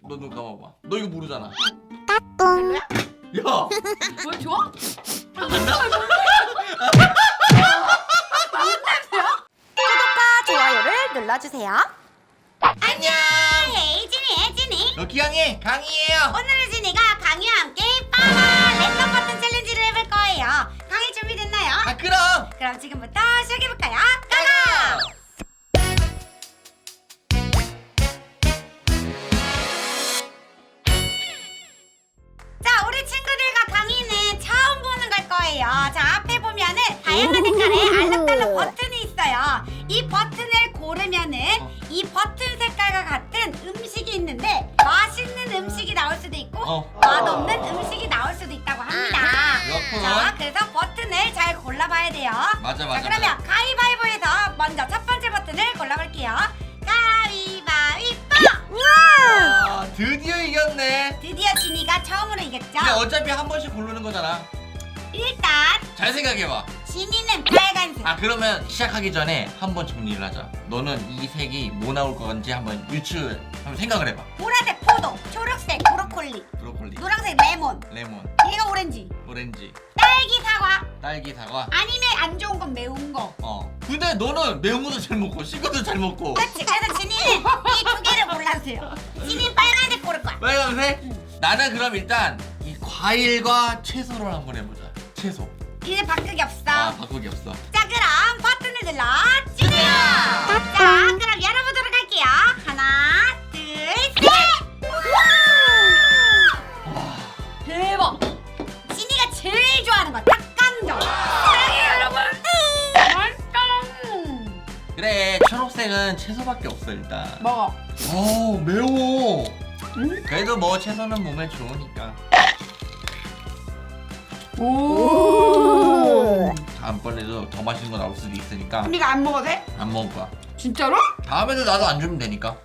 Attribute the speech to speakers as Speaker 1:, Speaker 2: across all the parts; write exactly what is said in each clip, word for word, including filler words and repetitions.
Speaker 1: 너 눈 감아봐. 너 이거 모르잖아.
Speaker 2: 별로야?
Speaker 1: 야.
Speaker 2: 뭘 좋아?
Speaker 1: 안 나?
Speaker 3: 구독과 좋아요를 눌러주세요.
Speaker 1: 안녕.
Speaker 3: 혜진이 혜진이.
Speaker 1: 럭키강의 강이에요.
Speaker 3: 오늘은 진이가 강이와 함께 빠마 랜덤 버튼 챌린지를 해볼 거예요. 강이 준비됐나요?
Speaker 1: 아 그럼.
Speaker 3: 그럼 지금부터 시작해볼까요? 고고! 자, 우리 친구들과 강의는 처음 보는 걸 거예요. 자, 앞에 보면은 다양한 색깔의 알록달록 버튼이 있어요. 이 버튼을 고르면은 이 버튼 색깔과 같은 음식이 있는데 맛있는 음식이 나올 수도 있고
Speaker 1: 어.
Speaker 3: 맛없는 음식이 나올 수도 있다고 합니다.
Speaker 1: 그렇군.
Speaker 3: 자, 그래서 버튼을 잘 골라봐야 돼요.
Speaker 1: 맞아 맞아.
Speaker 3: 자, 그러면 가위바위보에서 먼저 첫 번째 버튼을 골라볼게요. 가위바위보!
Speaker 1: 아, 드디어 이겼네.
Speaker 3: 드디어 진이가 처음으로 이겼죠?
Speaker 1: 근데 어차피 한 번씩 고르는 거잖아.
Speaker 3: 일단
Speaker 1: 잘 생각해봐.
Speaker 3: 진이는 빨간색.
Speaker 1: 아 그러면 시작하기 전에 한번 정리를 하자. 너는 이 색이 뭐 나올 건지 한번 유추 한번 생각을 해봐.
Speaker 3: 보라색 포도, 초록색 브로콜리,
Speaker 1: 브로콜리,
Speaker 3: 노란색 레몬,
Speaker 1: 레몬,
Speaker 3: 얘가 오렌지,
Speaker 1: 오렌지,
Speaker 3: 딸기 사과,
Speaker 1: 딸기, 사과.
Speaker 3: 아니면 안 좋은 건 매운 거.
Speaker 1: 어. 근데 너는 매운 것도 잘 먹고 신 것도 잘 먹고.
Speaker 3: 그렇지. 그래서 진이는 이 두 개를 골라주세요. 진이 빨간색 고를 거야.
Speaker 1: 빨간색?
Speaker 3: 응.
Speaker 1: 나는 그럼 일단 이 과일과 채소를 한번 해보자. 채소.
Speaker 3: 이제 바꾸기 없어.
Speaker 1: 아 바꾸기 없어.
Speaker 3: 자, 그럼 버튼을 눌러 주세요. 자, 그럼 열어보도록 할게요. 하나, 둘, 셋.
Speaker 1: 와.
Speaker 2: 대박.
Speaker 3: 진이가 제일 좋아하는 거 닭강정. 사랑해요, 여러분. 맛있다.
Speaker 1: 그래 초록색은 채소밖에 없어 일단.
Speaker 2: 먹어.
Speaker 1: 어 매워.
Speaker 2: 응?
Speaker 1: 그래도 뭐 채소는 몸에 좋으니까.
Speaker 2: 오.
Speaker 1: 다음번에도 더 맛있는 거 나올 수도 있으니까
Speaker 3: 언니가 안 먹어도 돼?
Speaker 1: 안 먹을 거야.
Speaker 2: 진짜로?
Speaker 1: 다음에도 나도 안 주면 되니까.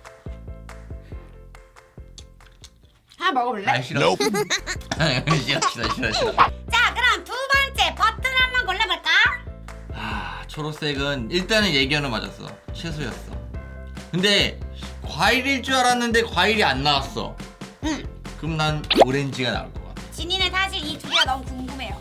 Speaker 3: 하나 먹어볼래?
Speaker 1: 아 싫어. 싫어 싫어 싫어 싫어.
Speaker 3: 자, 그럼 두 번째 버튼 한번 골라볼까?
Speaker 1: 아 초록색은 일단은 예견은 맞았어. 채소였어. 근데 과일일 줄 알았는데 과일이 안 나왔어.
Speaker 3: 응.
Speaker 1: 그럼 난 오렌지가 나올 것 같아.
Speaker 3: 진이는 사실 이 두 개가 너무 궁금해요.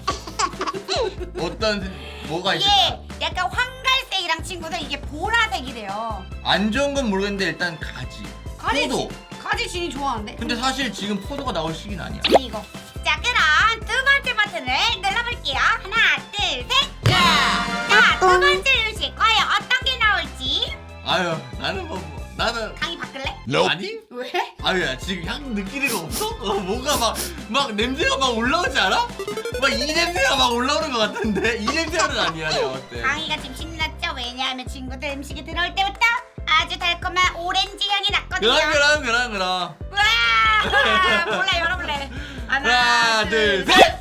Speaker 1: 어떤 뭐가
Speaker 3: 이게
Speaker 1: 있을까?
Speaker 3: 약간 황갈색이랑 친구들 이게 보라색이래요.
Speaker 1: 안 좋은 건 모르겠는데 일단 가지.
Speaker 3: 가지
Speaker 1: 포도.
Speaker 3: 가지 진이 좋아하는데?
Speaker 1: 근데 사실 지금 포도가 나올 시기는 아니야.
Speaker 3: 이거. 자, 그럼 두 번째 버튼을 눌러볼게요. 하나, 둘, 셋. 자, 두 번째 음식 과연 어떤 게 나올지.
Speaker 1: 아유 나는 뭐, 뭐 나는
Speaker 3: 강의 바꿀래?
Speaker 1: 아니?
Speaker 3: 왜?
Speaker 1: 아유야 지금 향 느끼는 거 없어? 어, 뭔가 막, 막 냄새가 막 올라오지 않아? 막 이 냄새가 막 올라오는 것 같은데 이 냄새는 아니야 내가 어때?
Speaker 3: 강의가 지금 신났죠? 왜냐하면 친구들 음식이 들어올 때부터 아주 달콤한 오렌지 향이 났거든요.
Speaker 1: 그럼 그럼 그럼 그럼
Speaker 3: 와! 몰라, 열어볼래.
Speaker 1: 하나 둘셋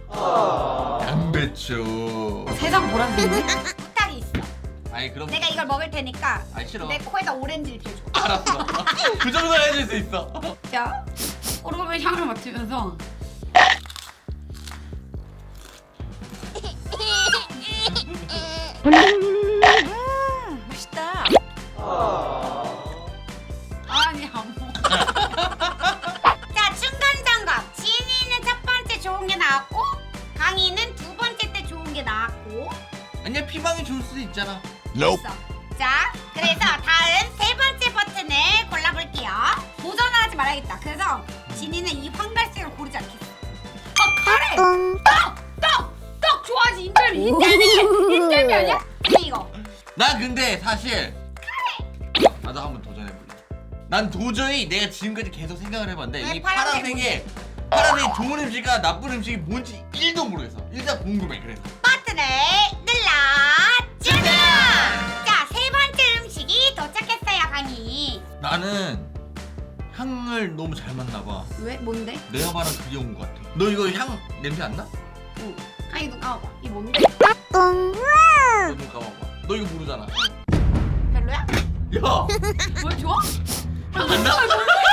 Speaker 1: 양배추.
Speaker 3: 세상 보라색인데? 부탁이 있어.
Speaker 1: 아니 그럼
Speaker 3: 내가 이걸 먹을 테니까
Speaker 1: 아니 싫어.
Speaker 3: 내 코에다 오렌지를 대줘.
Speaker 1: 알았어. 그 정도 해줄 수 있어.
Speaker 3: 자, 오르골 향을 맡으면서 음, 맛있다. 아니, 안 먹어. 자, 중간 점검. 진이는 첫 번째 좋은 게 나왔고, 강이는 두 번째 때 좋은 게 나왔고.
Speaker 1: 아니야 피망이 좋을 수도 있잖아.
Speaker 3: 있어. 자, 그래서 다음 세 번째 버튼을 골라볼게요. 도전을 하지 말아야겠다. 그래서 진이는 이 황갈색을 고르지 않겠어. 아, 카레! 떡! 떡! 떡 좋아하지, 인절미. 인절미! 인절미 아니야? 근데 이거.
Speaker 1: 난 근데 사실 나도 한번 도전해볼래. 난 도저히 내가 지금까지 계속 생각을 해봤는데
Speaker 3: 왜
Speaker 1: 이
Speaker 3: 파란색
Speaker 1: 파란색에 파란색이 좋은 음식과 나쁜 음식이 뭔지 일도 모르겠어. 일단 궁금해 그래서.
Speaker 3: 버튼을 눌러주세요. 자, 세 번째 음식이 도착했어요, 강이.
Speaker 1: 나는 향을 너무 잘 맡나봐.
Speaker 3: 왜? 뭔데?
Speaker 1: 내가 말한 그게 온 것 같아. 너 이거 향 냄새 안 나?
Speaker 3: 응. 강이 눈 감아봐. 이 뭔데?
Speaker 1: 너눈 감아봐. 너 이거 모르잖아.
Speaker 3: 별로야?
Speaker 1: 야,
Speaker 2: 뭘 좋아?
Speaker 1: 안 나?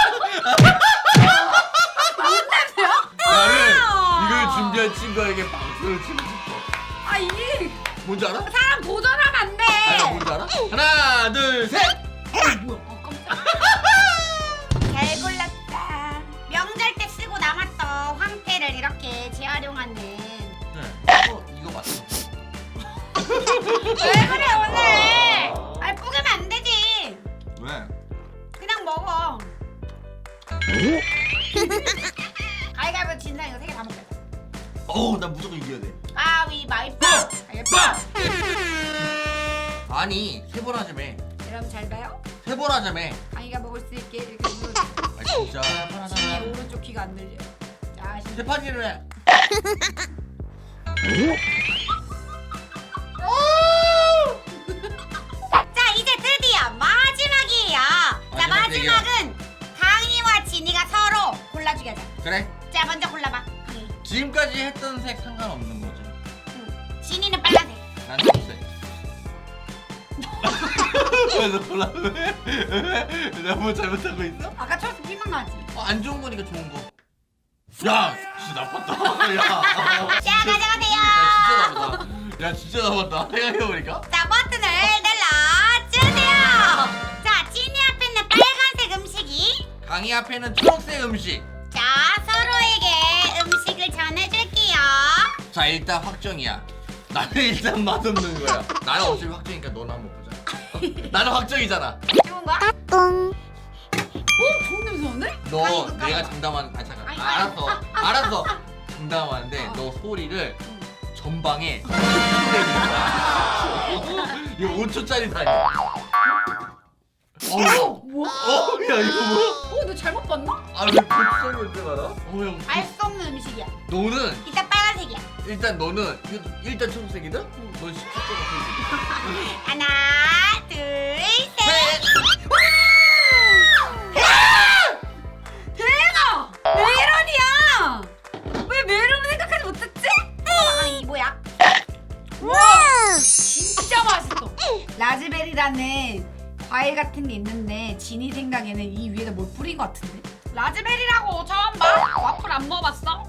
Speaker 3: 무슨 냄새야?
Speaker 1: 나는
Speaker 3: 아.
Speaker 1: 이걸 준비한 친구에게 박수를 치고 싶어.
Speaker 2: 아 이게
Speaker 1: 뭔지 알아?
Speaker 3: 사람 도전하면 안 돼.
Speaker 1: 아니 뭔지 알아? 하나, 둘, 셋.
Speaker 2: 뭐야? 아 깜짝.
Speaker 3: 잘 골랐다. 가위바위보 진 사람 이거 세 개 다 먹겠다.
Speaker 1: 어우 나 무조건 이겨야 돼.
Speaker 3: 가위바위보.
Speaker 1: 빠!
Speaker 3: 가위바위보.
Speaker 1: 아니 세 번 하자며.
Speaker 3: 여러분 잘 봐요.
Speaker 1: 세 번 하자며.
Speaker 3: 강이가 먹을 수 있게 이렇게 누르.
Speaker 1: 아 진짜.
Speaker 3: 진이 오른쪽 귀가 안 들려. 자, 신.
Speaker 1: 세 판이를 해.
Speaker 3: 자, 이제 드디어 마지막이에요. 자,
Speaker 1: 마지막
Speaker 3: 마지막은 강이와 진이가 서로 골라주게 하자.
Speaker 1: 그래.
Speaker 3: 자, 먼저 골라봐. 강이.
Speaker 1: 지금까지 했던 색 상관없는 거지.
Speaker 3: 응. 진이는 빨간색.
Speaker 1: 난 초록색. 왜너 골라? 왜? 내가 뭐 잘못하고 있어?
Speaker 3: 아까 초록색 피망나지.
Speaker 1: 어, 안 좋은 거니까 좋은 거. 야, 진짜 나빴다. 야,
Speaker 3: 자, 가져가세요.
Speaker 1: 야, 진짜 나빴다. 야, 진짜 나빴다. 생각해보니까.
Speaker 3: 자, 버튼을 눌러주세요. 자, 진이 앞에는 빨간색 음식이.
Speaker 1: 강의 앞에는 초록색 음식.
Speaker 3: 자, 서로에게 음식을 전해줄게요.
Speaker 1: 자, 일단 확정이야. 나는 일단 맛없는 거야. 나는 어차피 확정이니까 너나 한번 보자. 나는 확정이잖아.
Speaker 3: 좋은 거야?
Speaker 2: 오, 좋은 냄새 나는데?
Speaker 1: 너
Speaker 3: 아니, 이거
Speaker 1: 내가
Speaker 3: 까봐.
Speaker 1: 장담하는. 아 잠깐.
Speaker 3: 아니,
Speaker 1: 아,
Speaker 3: 아니.
Speaker 1: 알았어. 알았어. 장담하는데
Speaker 3: 어.
Speaker 1: 너 소리를 전방에 내는 거야. 이거 오 초짜리 다니. 어,
Speaker 2: 뭐야?
Speaker 1: 어, 야 이거 뭐야?
Speaker 2: 어, 너 잘못 봤나?
Speaker 1: 아 왜 고추장이 어떻게 알아? 어 형.
Speaker 3: 알 수 없는 음식이야.
Speaker 1: 너는
Speaker 3: 일단 빨간색이야.
Speaker 1: 일단 너는 이거 일단 초록색이다? 넌 십칠 초록색이지.
Speaker 3: 하나, 둘, 셋. 대박! 메론이야! 왜 메론을 생각하지 못했지? 아, 이 뭐야?
Speaker 2: 와, 진짜 맛있어.
Speaker 3: 라즈베리라는 과일 같은 게 있는데 진이 생각에는 이 위에다 뭘 뿌린 것 같은데? 라즈베리라고 처음 봐?
Speaker 2: 와플 안 먹어봤어?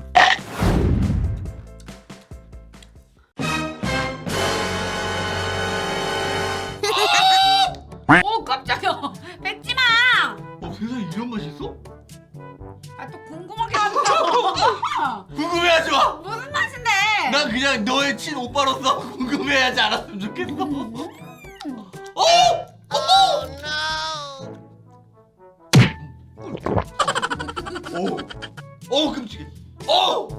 Speaker 3: 오 깜짝이야. 뱉지 마.
Speaker 1: 어 세상에 이런 맛이 있어?
Speaker 3: 아 또 궁금하게 한다.
Speaker 1: 궁금해하지 마.
Speaker 3: 무슨 맛인데?
Speaker 1: 난 그냥 너의 친 오빠로서 궁금해하지 않았으면 좋겠어. 어? 어? 오, 오 끔찍해. 오,